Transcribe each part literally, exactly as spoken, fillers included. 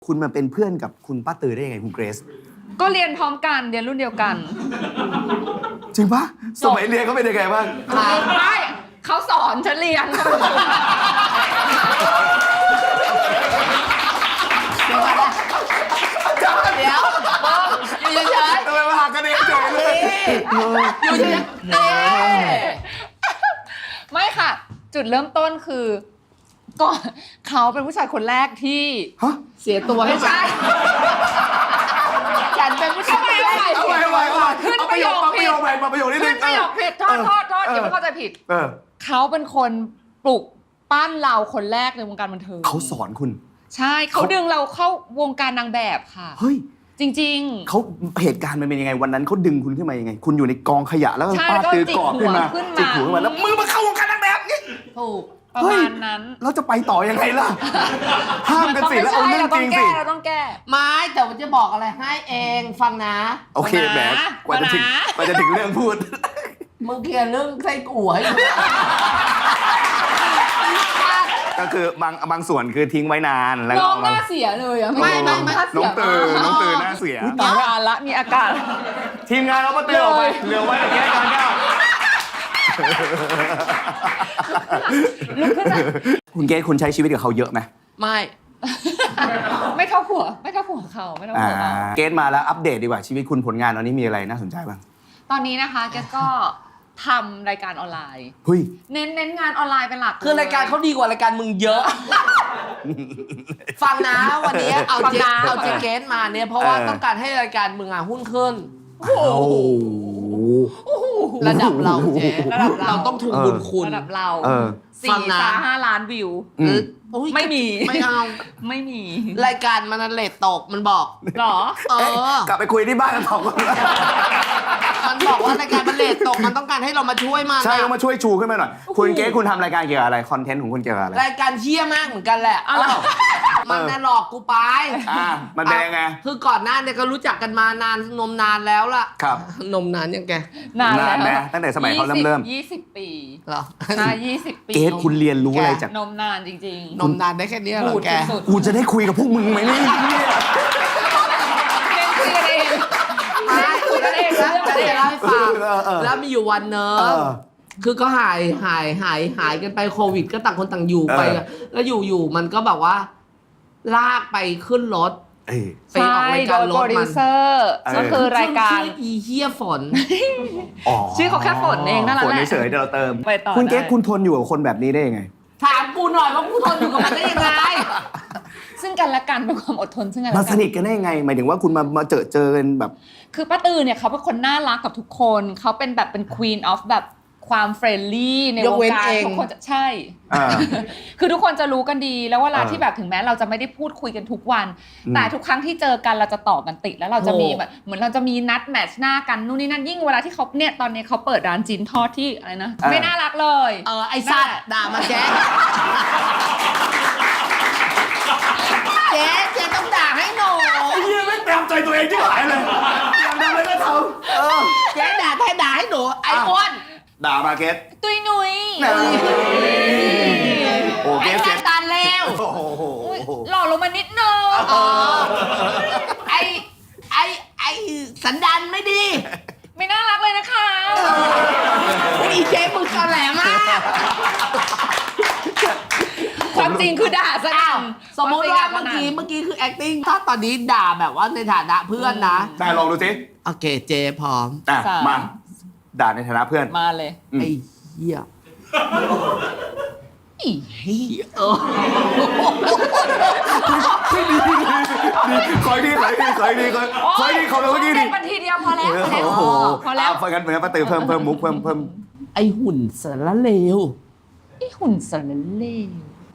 คุณมาเป็นเพื่อนกับคุณป้าตือได้ยังไงคุณเกรซก็เรียนพร้อมกันเรียนรุ่นเดียวกันจริงปะสมัยเรียนเขาเป็นยังไงบ้างไม่เขาสอนฉันเรียนเดี๋ยวอยู่เฉยๆทำไมมาหากันเองเฉยเลยอยู่เฉยๆไม่ค่ะจุดเริ่มต้นคือก็เขาเป็นผู้ชายคนแรกที่เสียตัวให้ฉันฉันเป็นผู้ชายคนแรกเอาไปเอาไปเอาไปขึ้นประโยคประโยคใหม่ประโยคนิดนึงขึ้นประโยคผิดโทษโทษโทษอย่าไม่เข้าใจผิดเขาเป็นคนปลุกปั้นเราคนแรกในวงการบันเทิงเขาสอนคุณใช่เขาดึงเราเข้าวงการนางแบบค่ะเฮ้ยจริงๆเขาเหตุการณ์มันเป็นยังไงวันนั้นเขาดึงคุณขึ้นมายังไงคุณอยู่ในกองขยะแล้วป้าตือกอดขึ้นมาจิกหัวขึ้นมาแล้วมึงมาเข้าวงการนางแบบนี่ถูกประมาณนั้นเราจะไปต่อยังไงล่ะห้ามกันสิแล้วเอาเรื่องจริงสิเราต้องแก้ไม่แต่ผมจะบอกอะไรให้เองฟังนะโอเคแหมกว่าจะถึงกว่าจะถึงเรื่องพูดมึงเคลียร์เรื่องไส้กั่วให้ก็คือบางบางส่วนคือทิ้งไว้นานแล้วน้องหน้าเสียเลยอะไม่ไม่ไม่น้องเตอน้องเตอหน้าเสียมีอาการละมีอาการทีมงานเราก็เตือนออกไปเหลือไว้อย่างเงี้ยการก้าวคุณเกศคุณใช้ชีวิตกับเขาเยอะไหมไม่ไม่เท่าหัวไม่เท่าหัวเขาไม่เท่าหัวเขาเกศมาแล้วอัปเดตดีกว่าชีวิตคุณผลงานตอนนี้มีอะไรน่าสนใจบ้างตอนนี้นะคะเกศก็ทำรายการออนไลน์เน้นเน้นงานออนไลน์เป็นหลักคือรายการเขาดีกว่ารายการมึงเยอะฟังนะวันนี้เอาเจเอาเจเกสมาเนี่ยเพราะว่าต้องการให้รายการมึงอ่ะหุ้นขึ้นโอ้โหระดับเราเจ๊ระดับเราต้องถูกบุญคุณระดับเราสี่สามห้าล้านวิวไม่มีไม่เอาไม่มีรายการมันเลทตกมันบอกหรอเออกลับไปคุยที่บ้านกันสองคนมันบอกว่ารายการมันเลทตกมันต้องการให้เรามาช่วยมันใช่เรามาช่วยชูขึ้นมาหน่อยคุณเกศคุณทำรายการเกี่ยวกับอะไรคอนเทนต์ของคุณเกี่ยวกับอะไรรายการเชี่ยมากเหมือนกันแหละอ้าวมันน่ะหลอกกูไปอ่ามันเป็นยังไงคือก่อนหน้าเนี่ยก็รู้จักกันมานานนมนานแล้วล่ะครับนมนานยังแกนานแล้วนะตั้งแต่สมัยเขาเริ่มเริ่มยี่สิบปีเหรอใช่ยี่สิบปีเกศคุณเรียนรู้อะไรจากนมนานจริงๆนมนานได้แค่นี้เหรอแกกูจะได้คุยกับพวกมึงไหมเนี่ยเล่นคุยกันเองคุยกันเองแล้วจะได้เล่าให้ฟังแล้วมีอยู่วันเนอะคือก็หายหายหายหายกันไปโควิดก็ต่างคนต่างอยู่ไปแล้วอยู่อยู่มันก็แบบว่าลากไปขึ้นรถไปออกรายการรถมันก็คือรายการอีเฮียฝนชื่อเขาแค่ฝนเองนั่นแหละฝนเฉยเดี๋ยวเราเติมคุณเก๊กคุณทนอยู่กับคนแบบนี้ได้ยังไงถามกูหน่อยว่ากูทนอยู่กับมันได้ยังไงซึ่งกันและกันเป็นความอดทนซึ่งกันและกันมาสนิทกันได้ยังไงหมายถึงว่าคุณมามาเจอเจอกันแบบคือป้าตือเนี่ยเขาเป็นคนน่ารักกับทุกคนเขาเป็นแบบเป็น Queen of แบบความเฟรนลี่ในวงการทุกคนจะใช่คือทุกคนจะรู้กันดีแล้วเวลาที่แบบถึงแม้เราจะไม่ได้พูดคุยกันทุกวันแต่ทุกครั้งที่เจอกันเราจะต่อกันติดแล้วเราจะมีแบบเหมือนเราจะมีนัดแมทช์หน้ากันนู่นนี่นั่นยิ่งเวลาที่เขาเนี่ยตอนนี้เขาเปิดร้านจีนทอดที่อะไรนะไม่น่ารักเลยเออไอ้สัตว์ด่ามาแจ๊เจ๊เจ๊ต้องด่าให้หนูไอ้เหี้ยไม่เต็มใจตัวเองที่หายเลยอยากทำอะไรก็ทำเจ๊ด่าให้ด่าให้หนูไอ้อ้วนด่ามาเกตตุยหนุยโอ้เกตเจ๊ตาเลวหล่อลงมานิดนึงไอ้ไอ้ไอ้สันดานไม่ดีไม่น่ารักเลยนะคะอีเจ๊มึงกระแหลมากความจริงคือด่าซะอ้าวสมมติว่าเมื่อกี้เมื่อกี้คือ acting ถ้าตอนนี้ด่าแบบว่าในฐานะเพื่อนนะได้ลองดูสิโอเคเจ๊พร้อมอ่ะมาด่าในฐานะเพื่อนมาเลยไอ้เหี้ยไอ้เหี้ยคอยดีคอยดีคอยดีคอยคอยดีเขาเลยเมื่อกี้ดิเป็นทีเดียวพอแล้วพอแล้วพอกันเหมือนป้าตือเพิ่มเพิ่มมุกเพิ่มเพิ่มไอ้หุ่นสารเลวไอ้หุ่นสารเลว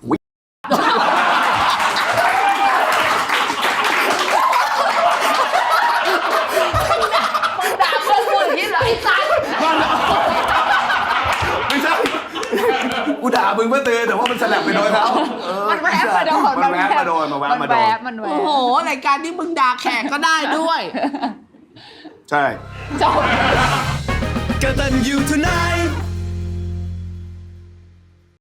กูด่ามึงเพื่อเตือนแต่ว่ามันสลับไปโดนเขามันแวบมาโดนมันแวบมาโดนมันแวบมาโดนโอ้โหรายการที่มึงด่าแขกก็ได้ด้วยใช่จบกตัญญูทูไนท์